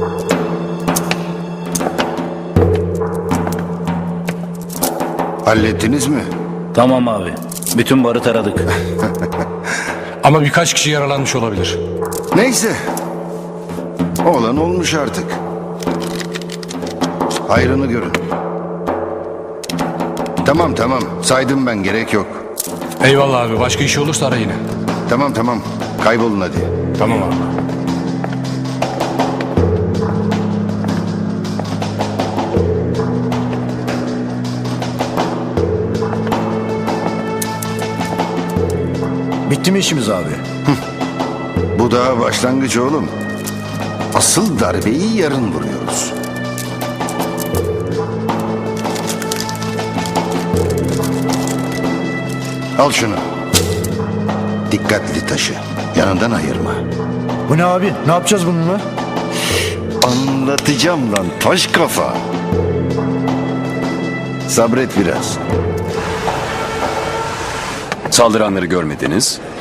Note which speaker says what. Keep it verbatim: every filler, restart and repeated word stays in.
Speaker 1: Hallettiniz mi?
Speaker 2: Tamam abi. Bütün barı taradık.
Speaker 3: Ama birkaç kişi yaralanmış olabilir.
Speaker 1: Neyse. Olan olmuş artık. Hayrını görün. Tamam tamam. Saydım ben, gerek yok.
Speaker 3: Eyvallah abi. Başka işi olursa ara yine.
Speaker 1: Tamam tamam. Kaybolun hadi.
Speaker 3: Tamam abi.
Speaker 4: Bitti mi işimiz abi?
Speaker 1: Bu daha başlangıç oğlum. Asıl darbeyi yarın vuruyoruz. Al şunu. Dikkatli taşı. Yanından ayırma.
Speaker 4: Bu ne abi? Ne yapacağız bununla?
Speaker 1: Anlatacağım lan taş kafa. Sabret biraz.
Speaker 5: Saldıranları görmediniz.